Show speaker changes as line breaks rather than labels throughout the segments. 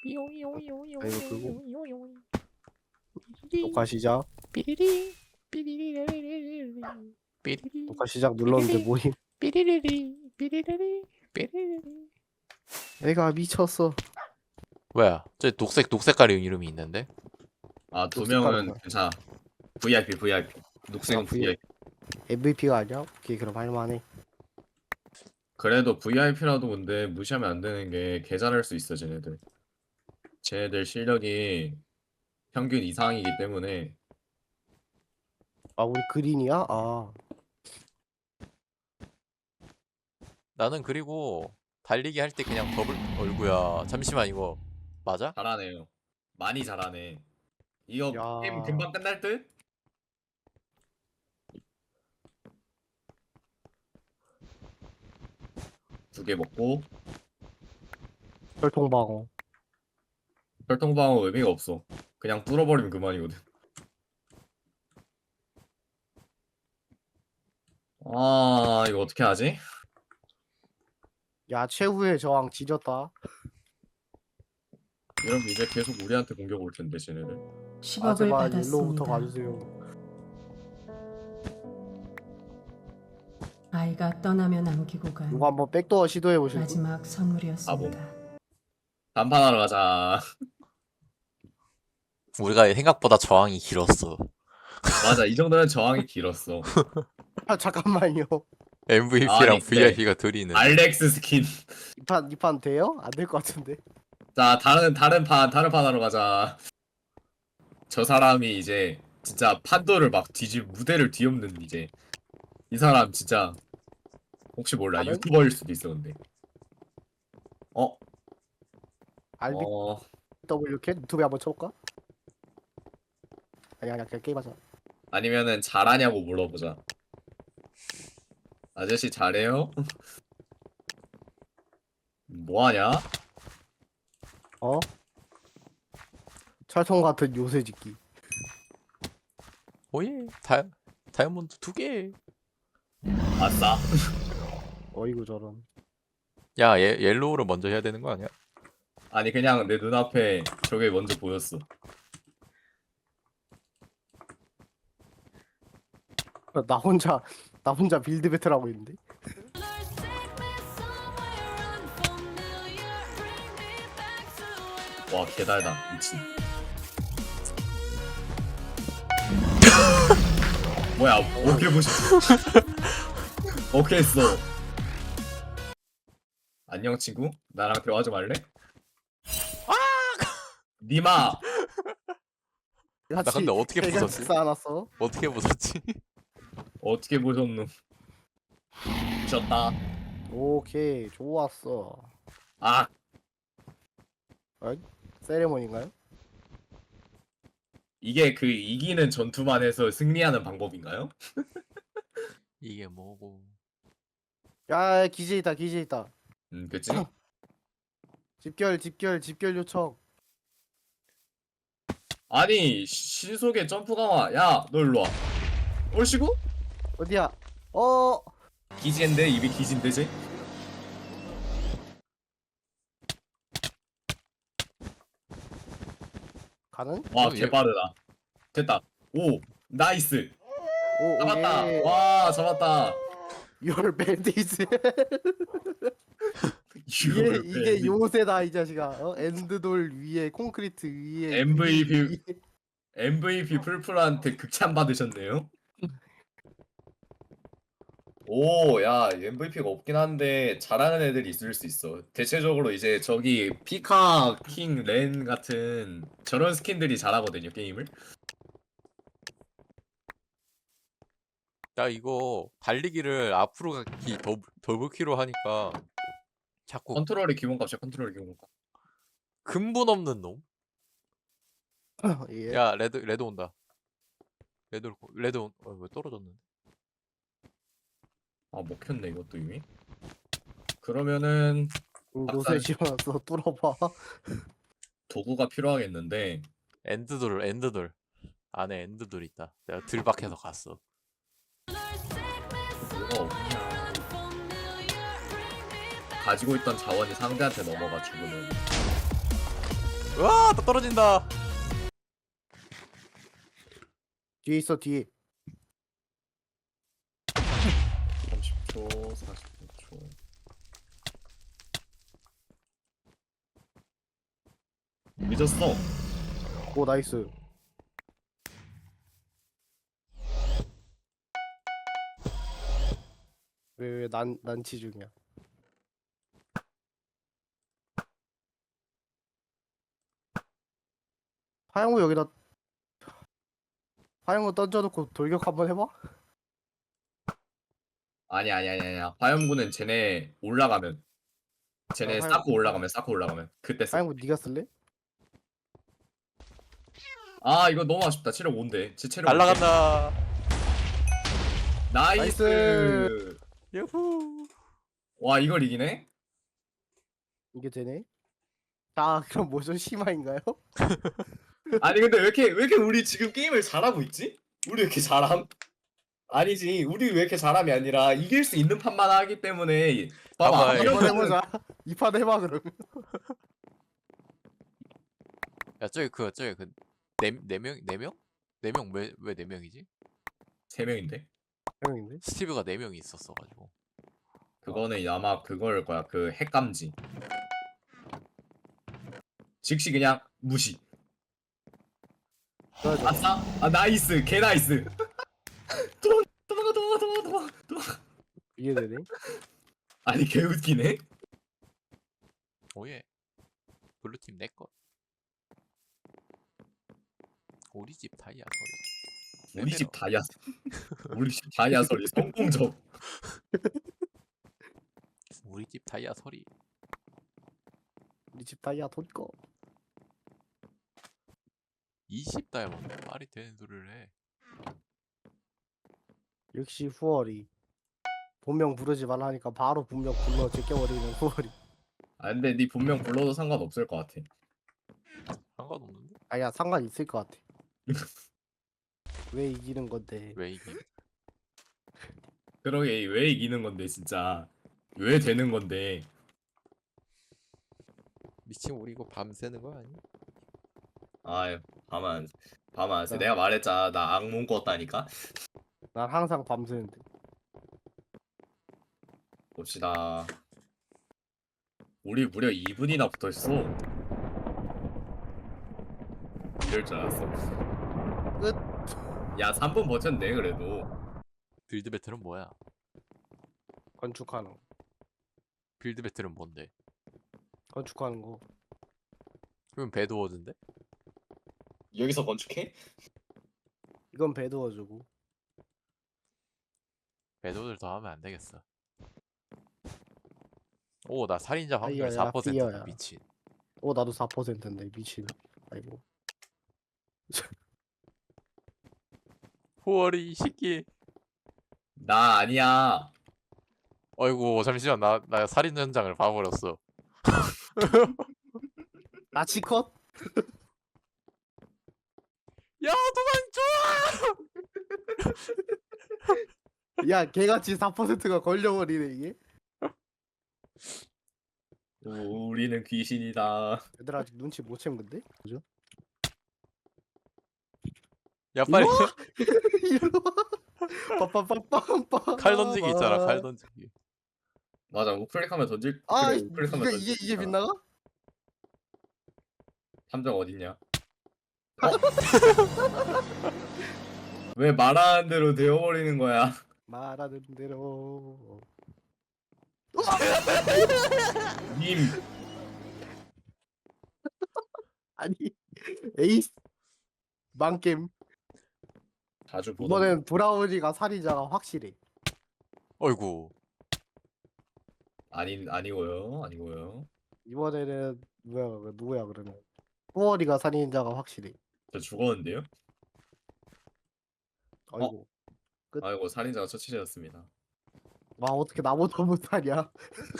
아, 이거 끄고 녹화 시작.
삐리리 삐리리리리리리 삐리리
녹화 시작 눌렀는데 뭐임?
삐리리리 삐리리리 삐리리리.
애가 미쳤어.
뭐야? 저 녹색 가리 이름이 있는데?
아, 두
녹색
명은
깔았다.
괜찮아. VIP. 녹색은
아,
VIP.
MVP가 아니야? 오케이, 그럼 할만해.
그래도 VIP라도 근데 무시하면 안 되는 게 개 잘할 수 있어, 쟤네들. 쟤네들 실력이 평균 이상이기 때문에.
아, 우리 그린이야? 아,
나는 그리고 달리기 할 때 그냥 더블 얼구야. 잠시만 이거 맞아?
잘하네요. 많이 잘하네. 이거
야.
게임 금방 끝날 듯? 두 개 먹고
혈통방어.
혈통방어 의미가 없어. 그냥 뚫어버리면 그만이거든. 아, 이거 어떻게 하지?
야, 최후의 저항 지졌다.
이러면 이제 계속 우리한테 공격 올 텐데, 쟤네들.
아,
10억을
제발 옐로우부터
받았습니다.
가주세요.
아이가 떠나며 남기고 간
이거 한번 백도어 시도해 보실래요?
마지막 선물이었습니다.
단판하러 가자.
우리가 생각보다 저항이 길었어.
맞아, 이 정도면 저항이 길었어.
아, 잠깐만요.
MVP랑
아니, 근데
VIP가 둘이 있는.
알렉스 스킨.
이판 돼요? 안 될 것 같은데.
자, 다른 판 하러 가자. 저 사람이 이제 진짜 판도를 막 무대를 뒤엎는 이제 이 사람 진짜 혹시 몰라
다른?
유튜버일 수도 있어 근데. 어?
RBWK 유튜브에 한번 쳐볼까? 아니야, 그냥 게임하자.
아니면은 잘하냐고 물어보자. 아저씨 잘해요? 뭐하냐?
어? 철통 같은 요새 짓기.
오예. 다이아몬드 2개.
아싸.
어이구 저런.
야, 옐로우를 먼저 해야 되는 거 아니야?
아니 그냥 내 눈앞에 저게 먼저 보였어.
나 혼자 빌드 배틀하고 있는데.
와 개달다 미친. 뭐야 어떻게 보셨어? 어떻게 했어? 안녕 친구? 나랑 대화 좀 할래? 니마!
나 근데 어떻게 부쉈지?
쌓아놨어?
어떻게 부쉈지?
어떻게 보셨노? 미쳤다.
오케이, 좋았어.
아!
세레모니인가요?
이게 그 이기는 전투만 해서 승리하는 방법인가요?
이게 뭐고?
야, 기재 있다.
그치?
집결 요청.
아니 신속의 점프 강화. 야 너 일로와. 얼씨구?
어디야?
기지인데 입이 기지인데 쟤?
가는?
와
얘-
개빠르다. 됐다. 오 나이스.
오,
잡았다.
오케이.
와 잡았다.
Your bandits.
이걸
이게 요새다 이 자식아. 엔드돌 위에 콘크리트 위에
MVP MVP 풀풀한테 극찬 받으셨네요. 오, 야, MVP가 없긴 한데 잘하는 애들이 있을 수 있어. 대체적으로 이제 저기 피카, 킹, 렌 같은 저런 스킨들이 잘하거든요, 게임을.
야, 이거 달리기를 앞으로 가기 더블키로 하니까 자꾸
컨트롤의 기본값이야, 컨트롤의 기본값.
근본 없는 놈.
예.
야, 레드 온다. 왜 떨어졌는데?
아, 먹혔네, 이것도 이미. 그러면은
요새 지어놨어. 뚫어봐.
도구가 필요하겠는데
엔드돌. 안에 엔드돌 있다. 내가 들박해서 갔어.
뭐가 없냐. 가지고 있던 자원이 상대한테 넘어가 죽으면
와, 또 떨어진다.
뒤에 있어 뒤에.
30초, 40초. 늦었어.
오 나이스. 왜 난치 중이야. 화양구 여기다 화양구 던져놓고 돌격 한번 해봐.
아니야. 화염구는 쟤네 올라가면. 쟤네
아,
쌓고 올라가면. 그때 써.
화양구 네가 쓸래?
아, 이거 너무 아쉽다. 체력 5인데. 제 체력 5인데.
날라간다.
나이스.
야후.
와, 이걸 이기네?
이게 되네. 아 그럼 모션 심화인가요?
아니, 근데 왜 이렇게 우리 지금 게임을 잘하고 있지? 우리 왜 이렇게 잘함? 아니지. 우리 왜 이렇게 잘함이 아니라 이길 수 있는 판만 하기 때문에. 봐봐.
봐봐,
이번
이거.
해보자. 이 판 해봐 그럼.
야, 저기 네 명? 네 명? 네 명 왜 네 명이지?
3명인데?
형인데?
스티브가 네 명이 있었어 가지고.
그거는 아마 그걸 거야. 그 핵감지. 즉시 그냥 무시.
그래가지고
아싸? 아, 나이스. 개 나이스. 도망가.
이게 되네.
아니, 개 웃기네.
오예. 블루팀 내 것. 우리 집 다이아 소리.
우리 집 다이아. 우리 집 다이아 소리 성공적.
우리 집 다이아 소리.
우리 집 다이아 돈 꺼.
20 다이아몬드 말이 되는 소리를 해.
역시 후월이. 본명 부르지 말라 하니까 바로 본명 불러 제껴버리는 후월이.
아, 근데 네 본명 불러도 상관없을 것 같아.
상관없는데?
아야 상관 있을 것 같아. 왜 이기는 건데?
왜 이게?
그러게 왜 이기는 건데 진짜. 왜 되는 건데.
미친 우리 이거 밤새는 거 아니야?
아, 밤안 새. 내가 말했잖아. 나 악몽 꿨다니까.
난 항상 밤새는데.
봅시다. 우리 무려 2분이나 붙어있어. 이럴 줄 알았어.
끝.
야, 3분 버텼네 그래도.
빌드 배틀은 뭐야?
건축하는 거.
빌드 배틀은 뭔데?
건축하는 거.
그럼 배드워즈인데?
여기서 건축해?
이건 배도워주고.
배드워즈를 더 하면 안 되겠어. 오, 나 살인자 확률
아이야야,
4%다.
삐어야.
미친.
나도 4%인데 미친. 아이고.
후월이 이 새끼.
나 아니야.
어이구, 잠시만. 나 살인 현장을 봐버렸어.
나치컷?
야, 도망쳐!
야 개같이 4%가 걸려버리네 이게.
우리는 귀신이다.
얘들 아직 눈치 못 챈 건데? 그죠?
야, 빨리.
빠빠빠빰빰.
칼 던지기 있잖아, 칼 던지기.
맞아. 우클릭하면 던질.
아
그래, 우클릭하면
이게
던질
이게
수 있잖아.
빗나가?
탐정 어딨냐? 왜 말하는 대로 되어버리는 거야?
말하는 대로.
님.
아니 에이스 망겜.
자주 보던.
이번엔 브라우니가 살인자가 확실해.
어이구.
아니고요.
이번에는 누구야 그러면? 후월이가 살인자가 확실해.
저 죽었는데요?
아이고.
아이고, 살인자가 처치되었습니다.
와 어떻게 나보다 못하냐?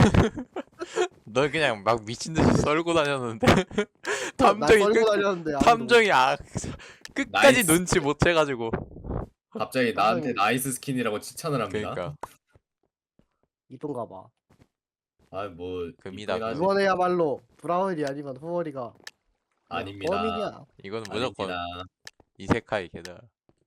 너 그냥 막 미친 듯이 썰고 다녔는데.
나
탐정이
썰고
끝,
다녔는데 아무도
탐정이 끝까지
나이스.
눈치 못 채가지고.
갑자기 나한테 나이스 스킨이라고 칭찬을 합니다.
그러니까.
이쁜가 봐.
아, 뭐
금이다,
이쁘긴 하지.
이번에야말로 브라운이 아니면 후월이가
아닙니다.
범인이야.
이거는 무조건
아닙니다.
이세카이 걔다.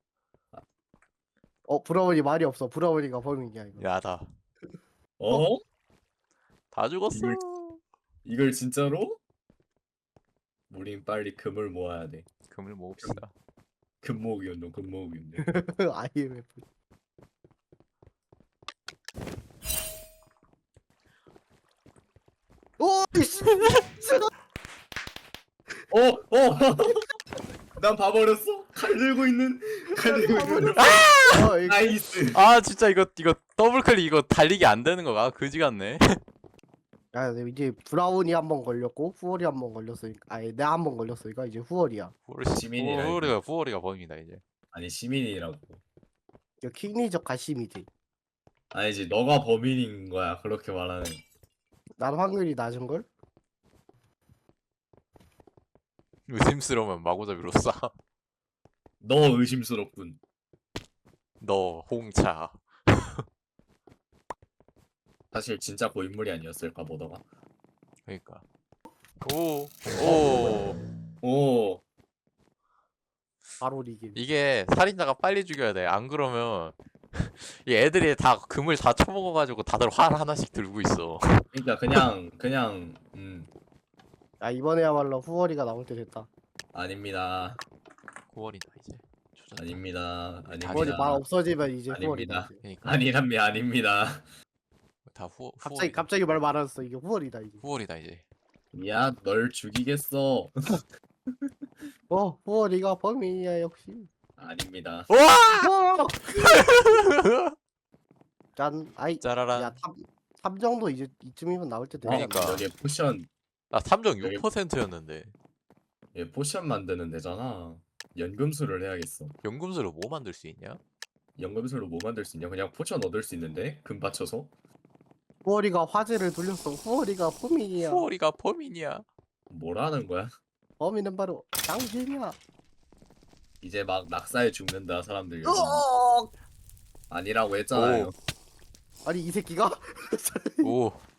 브라운이 말이 없어. 브라운이가 범인이야 이거.
야다.
어?
다 죽었어.
이걸 진짜로? 우린 빨리 금을 모아야 돼.
금을 모읍시다.
금 모으기 운동, 금 모으기 운동.
IMF. 오, 씨.
난 봐버렸어. 칼 들고 있는.
이거
나이스.
아 진짜 이거 더블 클릭 이거 달리기 안 되는 거가 그지 같네.
야, 근데 이제 브라운이 한 번 걸렸고 후월이 한 번 걸렸으니까 아니 내가 한 번 걸렸으니까 이제 후월이야.
시민이라
후월이가 범인이다 이제.
아니 시민이라고.
이거 킹리적 가심이지.
아니지 너가 범인인 거야 그렇게 말하는.
난 확률이 낮은 걸?
의심스러우면 마구잡이로 쏴.
너 의심스럽군.
너 홍차.
사실 진짜 고인물이 아니었을까 보다가.
그러니까. 오.
오.
바로 리게.
이게 살인자가 빨리 죽여야 돼. 안 그러면 이 애들이 다 금을 다 쳐먹어가지고 다들 활 하나씩 들고 있어.
그러니까 그냥
야 이번에야말로 후월이가 나올 때 됐다.
아닙니다.
9월이다 이제. 조졌다.
아닙니다.
후월이 말
아닙니다.
없어지면 이제
아닙니다.
후월이다. 이제.
그러니까
아닙니다.
다
갑자기 말 많았어. 이게 후월이다 이제.
후월이다 이제.
야, 널 죽이겠어.
후월이가 범인이야 역시.
아닙니다.
와!
짠. 아이.
짜라란.
야 3 정도 이제 이쯤이면 나올 때 되잖아.
그러니까.
여기 포션,
나 3.6%였는데.
얘 포션 만드는 데잖아. 연금술을 해야겠어.
연금술로 뭐 만들 수 있냐?
연금술로 뭐 만들 수 있냐? 그냥 포션 얻을 수 있는데 금 받쳐서.
후월이가 화제를 돌렸어. 후월이가 범인이야.
후월이가 범인이야.
뭐라는 거야?
범인은 바로 당신이야.
이제 막 낙사에 죽는다 사람들.
으억!
아니라고 했잖아요.
오.
아니 이 새끼가
오.